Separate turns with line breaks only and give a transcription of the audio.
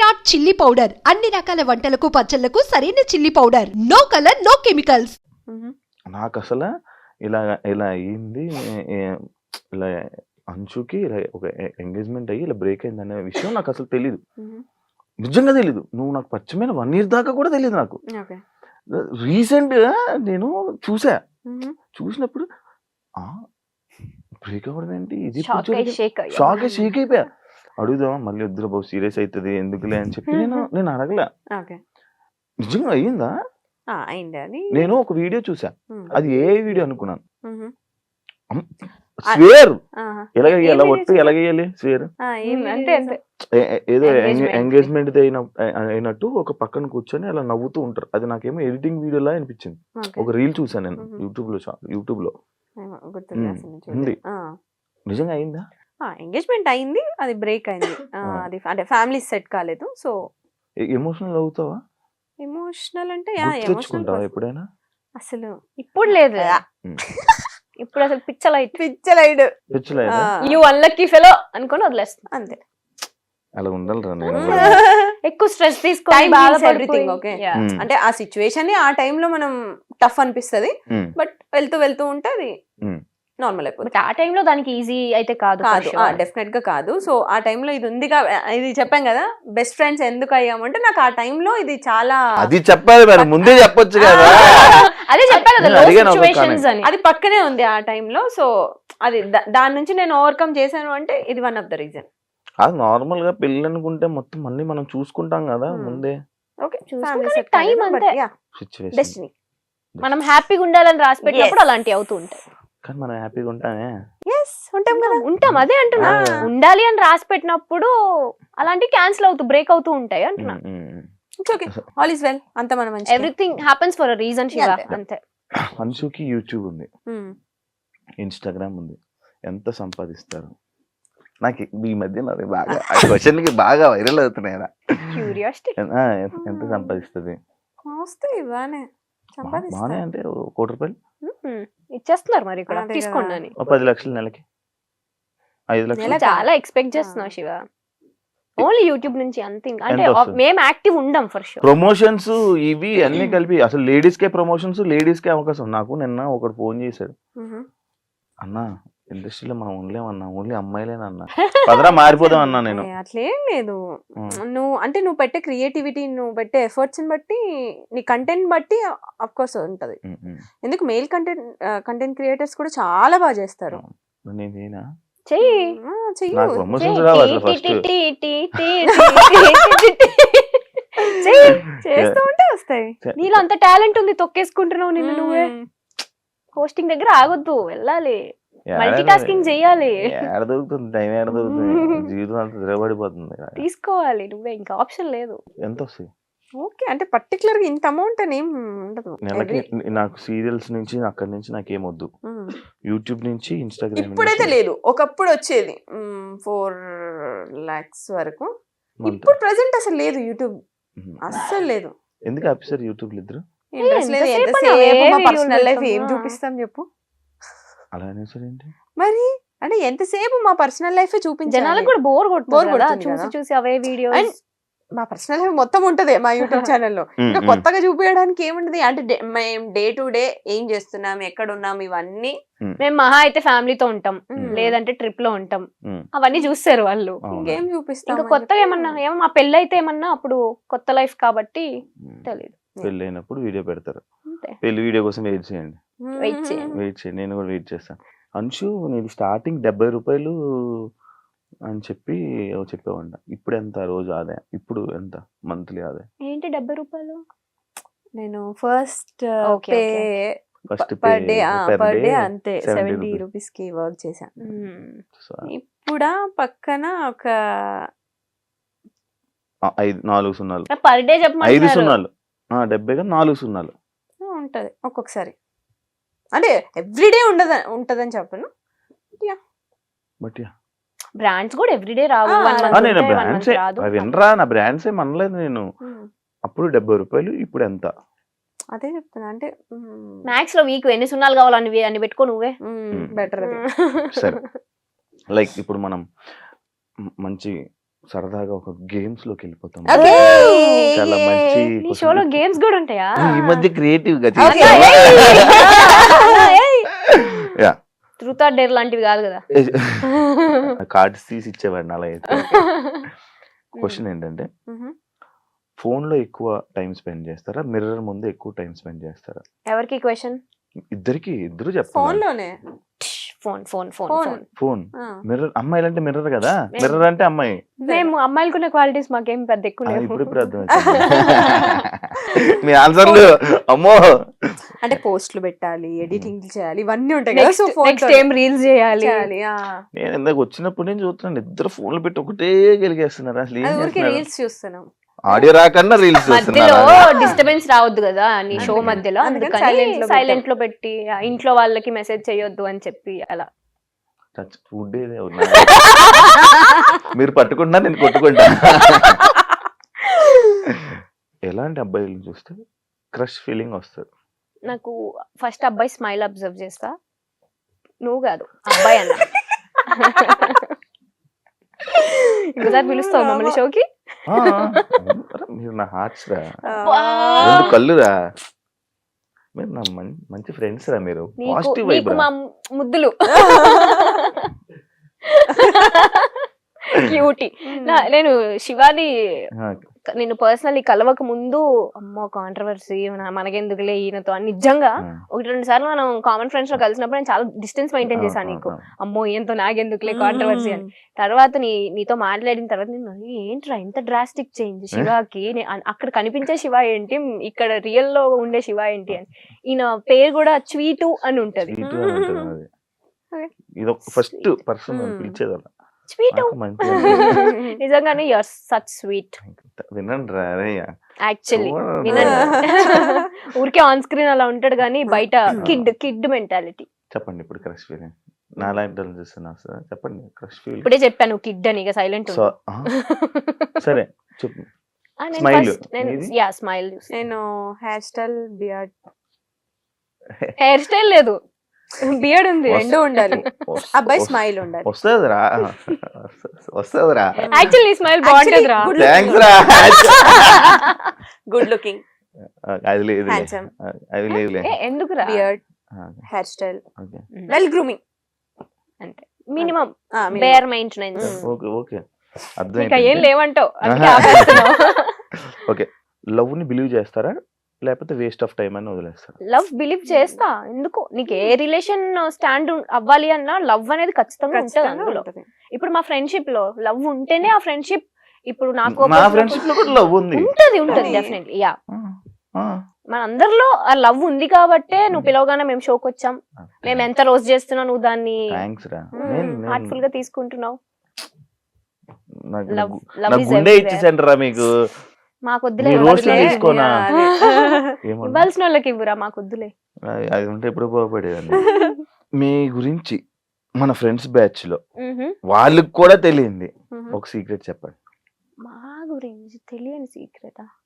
Virat chilli powder అన్ని రకాల వంటలకు పచ్చళ్లకు సరైన chilli powder. No colour no chemicals.
నాకు అసలు ఇలా ఇలా అయ్యింది, ఇలా అంచుకి ఇలా ఒక ఎంగేజ్మెంట్ అయ్యి ఇలా బ్రేక్ అయింది అనే విషయం నాకు అసలు తెలీదు, నిజంగా తెలీదు. నువ్వు నాకు పరిచయమైన 1 year దాకా కూడా తెలియదు నాకు. రీసెంట్ గా నేను చూసినప్పుడు బ్రేక్ అవ్వడం ఏంటి, ఇది షాక్ షేక్ అయిపోయా. అడుగుదామా మళ్ళీ వద్దురా బాబు సీరియస్ అవుతుంది ఎందుకులే అని చెప్పి నేను అడగలే. నిజంగా అయ్యిందా? నేను ఒక వీడియో చూసా, అది ఏ వీడియో అనుకున్నాను. స్వేర్ ఎలాగేయాలి, ఒట్టు ఎలాగేయాలి స్వేర్ ఏదో ఎంగేజ్మెంట్ అయినట్టు ఒక పక్కన కూర్చొని అలా నవ్వుతూ ఉంటారు. అది నాకేమో ఎడిటింగ్ వీడియోలా అనిపించింది. ఒక రీల్ చూసాను నేను యూట్యూబ్ లో ఉంది. నిజంగా అయిందా?
ఎంగేజ్మెంట్ అయింది, అది బ్రేక్ అయింది. అది అంటే ఫ్యామిలీ సెట్ కాలేదు. సో
ఎమోషనల్ అవుతావా?
ఎమోషనల్ అంటే
తెచ్చుకుంటావా ఎప్పుడైనా?
అసలు
ఇప్పుడు లేదు, ఇప్పుడు అసలు
పిచ్చలైడ్
యు అన్లక్కీ ఫెలో అనుకొని వదిలేస్తాను అంతే.
అలా ఉండాలిరా. నేను
ఎక్కువ స్ట్రెస్ తీసుకొని
ఎవ్రీథింగ్ ఓకే అంటే ఆ సిచ్యువేషన్ ఆ టైంలో మనం టఫ్ అనిపిస్తది, బట్ వెళ్తూ ఉంటే అది నార్మల్ అయిపోతుంది.
ఆ టైంలో దానికి ఈజీ అయితే కాదు,
డెఫినెట్ గా కాదు. సో ఆ టైంలో ఇది ఉంది, ఇది చెప్పాం కదా బెస్ట్ ఫ్రెండ్స్ ఎందుకు అయ్యామంటే నాకు ఆ టైంలో ఇది చాలా
అది చెప్పాలి మరి ముందే చెప్పొచ్చు కదా.
అదే చెప్పా కదా లో సిచువేషన్స్ అని,
అది పక్కనే ఉంది ఆ టైంలో. సో అది దాని నుంచి నేను ఓవర్కమ్ చేశాను అంటే ఇది వన్ ఆఫ్ ద రీజన్.
అది నార్మల్ గా పెళ్ళి అనుకుంటే మొత్తం అన్ని మనం చూసుకుంటాం కదా ముందే.
ఓకే
టైం అంతే,
డెస్టినీ.
మనం హ్యాపీగా ఉండాలని రాసి పెట్టినప్పుడు అలాంటివి అవుతూ ఉంటాయి.
కానీ మనం హ్యాపీగా ఉంటామే,
ఉంటాం అదే అంటున్నా. ఉండాలి అని రాసి పెట్టినప్పుడు అలాంటివి క్యాన్సిల్ అవుతూ బ్రేక్ అవుతూ ఉంటాయి అంటున్నా.
ఆల్ ఇస్ వెల్, అంత మనం
everything happens for a reason Shiva, అంతే.
అన్షుకి యూట్యూబ్ ఉంది, ఇన్స్టాగ్రామ్ ఉంది, ఎంత సంపాదిస్తారు? నాకు ఈ మధ్య బాగా క్వశ్చన్ కి బాగా వైరల్ అవుతున్నాయి. ఎంత సంపాదిస్తుంది? బానే అంటే 1 కోటి రూపాయలు
ఇచ్చేస్తున్నారు మరి ఇక్కడ తీసుకోండి అని.
10 లక్షలు నెలకి, 5 లక్షలు
చాలా ఎక్స్పెక్ట్ చేస్తున్నావు శివ. ఓన్లీ యూట్యూబ్ నుంచి అంతే, అంటే మేము యాక్టివ్ ఉండం ఫర్ షూర్.
ప్రమోషన్స్ ఇవి అన్ని కలిపి అసలు లేడీస్ కే ప్రమోషన్స్, లేడీస్ కే అవకాశం. నాకు నిన్న ఒకడు ఫోన్ చేశాడు, అన్నా ఇండస్ట్రీలో మనం ఉండలేమన్నా, ఓన్లీ అమ్మాయిలేనన్నా, పదరా మారిపోదాం అన్నా. నేను
అట్లేం లేదు, నువ్వు పెట్టే క్రియేటివిటీ, నువ్వు పెట్టే ఎఫర్ట్స్ బట్టి, నీ కంటెంట్ బట్టి అఫ్ కోర్స్ ఉంటది. ఎందుకు మెయిల్ కంటెంట్ క్రియేటర్స్ కూడా చాలా బాగా చేస్తారు.
నేనేనా
చేస్తూ ఉంటే వస్తాయి.
నీలో అంత టాలెంట్ ఉంది, తొక్కేసుకుంటున్నావు నిన్ను నువ్వే. హోస్టింగ్ దగ్గర ఆగొద్దు, వెళ్ళాలి, మల్టీ టాస్కింగ్ చెయ్యాలి.
దొరుకుతుంది టైం, దొరుకుతుంది, జీవితం అంతా తిరగబడిపోతుంది.
తీసుకోవాలి నువ్వే, ఇంకా ఆప్షన్ లేదు.
ఎంత వస్తాయి?
ఓకే అంటే పర్టికులర్ గా ఇంత అమౌంట్ అని ఏం ఉండదు.
నెలకి నాకు సీరియల్స్ నుంచి అక్కడి నుంచి నాకేమొద్దు, యూట్యూబ్ నుంచి ఇన్స్టాగ్రామ్.
ఇప్పుడైతే లేదు, ఒకప్పుడు వచ్చేది 4 lakhs వరకు. ఇప్పుడు ప్రెసెంట్ అసలు లేదు, యూట్యూబ్ అస్సలు లేదు.
ఎందుకు ఆఫీసర్ యూట్యూబ్ ఇద్దరు?
పర్సనల్ లైఫ్ ఏం చూపిస్తాం చెప్పు?
అలా అనేసరి ఏంటి
మరి, అంటే ఎంతసేపు మా పర్సనల్ లైఫ్ చూపించాలి?
జనాలకు కూడా బోర్ కొడుతుంది చూసి అవే వీడియో.
మా పర్సనల్ లైఫ్ మొత్తం ఉంటది మా యూట్యూబ్ ఛానల్లో. ఇంకా కొత్తగా చూపించడానికి ఏముంటది? అంటే మేము డే టు డే ఏం చేస్తున్నాం, ఎక్కడ ఉన్నాం, ఇవన్నీ.
మేము మహా అయితే ఫ్యామిలీతో ఉంటాం, లేదంటే ట్రిప్ లో ఉంటాం, అవన్నీ చూస్తారు వాళ్ళు.
ఇంకేం చూపిస్తాం?
ఇంకా కొత్తగా ఏమన్నా మా పెళ్ళి అయితే ఏమన్నా అప్పుడు కొత్త లైఫ్ కాబట్టి తెలియదు.
పెళ్ళి అయినప్పుడు వీడియో పెడతారు, పెళ్లి వీడియో కోసం వెయిట్ చేయండి. నేను కూడా వెయిట్ చేస్తాను. అంశు నేను స్టార్టింగ్ 70 రూపాయలు అని చెప్పి చెప్పేవాడిన. ఇప్పుడు ఎంత రోజు ఆదాయం? ఇప్పుడు ఎంత మంత్లీ ఆదాయం?
ఏంటి 70 రూపాయలు?
నేను ఫస్ట్ పర్ డే అంతే 70 రూపీస్ కి వర్క్ చేశాను. ఇప్పుడు పక్కన ఒక
4 సున్నాలు
పర్ డే చెప్పమని
5 సున్నాలు 70 గా 4 సున్నాలు
ఉంటది ఒక్కొక్కసారి. అంటే ఎవ్రీడే ఉంటదని చెప్పను,
బట్
బ్రాండ్స్ కూడా ఎవ్రీడే రావు.
వినరా, నా బ్రాండ్స్ ఏం అనలేదు నేను. అప్పుడు 70 రూపాయలు, ఇప్పుడు ఎంత?
అదే చెప్తున్నా. అంటే
మ్యాక్స్ లో వీక్ ఎన్ని సున్నాలు కావాలని అన్ని పెట్టుకో నువ్వే,
బెటర్.
సరే, లైక్ ఇప్పుడు మనం మంచి సరదాగా ఒక గేమ్స్ లోకి వెళ్ళిపోతాం.
Okay.
చాలా మంచి
నీ
question.
షోలో గేమ్స్ కూడా ఉంటాయా?
ఈ మధ్య క్రియేటివ్ గా
Okay.
Yeah
truth or dare లాంటివి కాదు కదా.
కార్డ్స్ తీసి ఇచ్చేవాడిని అలా అయితే. క్వశ్చన్ ఏంటంటే ఫోన్ లో ఎక్కువ టైం స్పెండ్ చేస్తారా, మిర్రర్ ముందు ఎక్కువ టైం స్పెండ్ చేస్తారా?
ఎవరికి క్వశ్చన్?
ఇద్దరు
ఫోన్
చెప్తాను.
లోనే
phone phone phone
Phone.
Phone.
Phone
ఆ.
మిర్రర్, అమ్మాయిలు అంటే మిర్రర్ కదా, మిర్రర్ అంటే అమ్మాయి.
మేము అమ్మాయిలకున్న క్వాలిటీస్ మాకేం పెద్ద ఎక్కువ లేవు.
ఇప్పుడు అర్థం మీ ఆన్సర్లు అమ్మో.
అంటే పోస్టులు పెట్టాలి, ఎడిటింగ్ చేయాలి, ఇవన్నీ ఉంటాయి కదా. సో ఫోన్
నెక్స్ట్ ఏం రీల్స్ చేయాలి.
నేను ఇందాక వచ్చినప్పుడు నేను చూస్తున్నాను ఇద్దరు ఫోన్లు పెట్టి ఒకటే గెలిగేస్తున్నారు. అసలు ఏం
ఊరికి
చేస్తున్నారు?
రీల్స్ చూస్తున్నాం.
ఆడియో రాకన్నా రీల్స్
మధ్యలో
చూస్తున్నారు.
డిస్టర్బెన్స్ రావద్దు కదా నీ షో
అందుకని.
మధ్యలో,
అందుకని
అందుకని
silent లో
సైలెంట్ లో పెట్టి ఇంట్లో వాళ్ళకి మెసేజ్ చేయొద్దు అని చెప్పి అలా.
ఫుడ్ మీరు పట్టుకుంటా నేను కొట్టుకుంటా. ఎలాంటి అబ్బాయిలు చూస్తే క్రష్ ఫీలింగ్ వస్తుంది?
నాకు ఫస్ట్ అబ్బాయి స్మైల్ అబ్జర్వ్ చేస్తా. నువ్వు కాదు అబ్బాయి అన్న. ఇంకోసారి పిలుస్తావు మమ్మల్ని షోకి?
ఆ, అరే మీరు నా హార్ట్స్ రా, రెండు కళ్ళురా, మీరు నా మంచి ఫ్రెండ్స్ రా, మీరు పాజిటివ్ వైబ్
నీకు
రా.
మా ముద్దులు క్యూటీ. నేను శివాని నేను పర్సనల్లీ కలవక ముందు అమ్మో కాంట్రవర్సీ మనకెందుకులే ఈయనతో అని నిజంగా ఒకటి రెండు సార్లు మనం కామన్ ఫ్రెండ్స్ లో కలిసినప్పుడు నేను చాలా డిస్టెన్స్ మెయింటైన్ చేశాను. నీకు అమ్మో ఈయనతో నాకెందుకులే కాంట్రవర్సీ అని. తర్వాత నీతో మాట్లాడిన తర్వాత నేను ఏంట్రా ఇంత డ్రాస్టిక్ చేంజ్ శివాకి, అక్కడ కనిపించే శివ ఏంటి, ఇక్కడ రియల్ లో ఉండే శివ ఏంటి అని. ఈయన పేరు కూడా స్వీటు అని ఉంటది.
ఇది ఫస్ట్ పర్సన్ పిలిచేది అలా.
స్వీటు నిజంగానే యూఆర్ సచ్ స్వీట్.
వినండి రా
యాక్చువల్లీ వినండి. ఊరికే ఆన్ స్క్రీన్ అలా ఉంటాడు కానీ బయట కిడ్ మెంటాలిటీ.
చెప్పండి ఇప్పుడు క్రష్ ఫీలింగ్. నా లైఫ్ చూస్తున్నా చెప్పండి క్రష్ ఫీలింగ్.
ఇప్పుడే చెప్పాను కిడ్ అని, ఇక సైలెంట్.
సరే చెప్పు. స్మైల్.
స్మైల్.
నేను hair style, beard.
Hair style లేదు, బియర్డ్ ఉంది, రెండు ఉండాలి.
అబ్బాయి స్మైల్ ఉండాలి.
వస్తుందిరా వస్తుందిరా.
యాక్చువల్లీ స్మైల్ బాగుంటది రా.
థ్యాంక్స్ రా.
గుడ్ లుకింగ్,
అది లేదు,
హ్యాండ్సమ్.
అది లేదు.
ఎందుకు రా?
Beard, hair style, well grooming,
అంటే minimum bare maintenance.
Okay okay అర్థం.
ఇంకా ఏం లేవంటావు అందుకే ఆపేస్తున్నావు.
ఓకే, లవ్ ని బిలీవ్ చేస్తారా లేకపోతే వేస్ట్ ఆఫ్ టైం అని వదిలేస్తారా?
లవ్ బిలీవ్ చేస్తా. ఎందుకు నీకు ఏ రిలేషన్ స్టాండ్ అవ్వాలి అన్నా లవ్ అనేది ఖచ్చితంగా ఉంటది అందులో. ఇప్పుడు మా ఫ్రెండ్షిప్ లో లవ్ ఉంటేనే ఆ ఫ్రెండ్షిప్. ఇప్పుడు నాకు
మా ఫ్రెండ్షిప్ లో కూడా లవ్ ఉంది.
ఉంటది డెఫినెట్లీ. యా మన అందరిలో ఆ లవ్ ఉంది కాబట్టే నువ్వు పిలవగానే మేము షోకి వచ్చాం. మేము ఎంత రోజు చేస్తున్నావు నువ్వు దాన్ని హార్ట్ఫుల్ గా తీసుకుంటున్నావు.
గుండె ఇచ్చేసండి రా మీకు.
మాకు వద్దులే, ఇవ్వాల్సిన వాళ్ళకి ఇవ్వరా, మాకు వద్దులే.
అది ఉంటే ఎప్పుడు బాగుపడేదండి. మీ గురించి మన ఫ్రెండ్స్ బ్యాచ్ లో వాళ్ళకి కూడా తెలియంది ఒక సీక్రెట్ చెప్పండి.
మా గురించి తెలియని సీక్రెటా?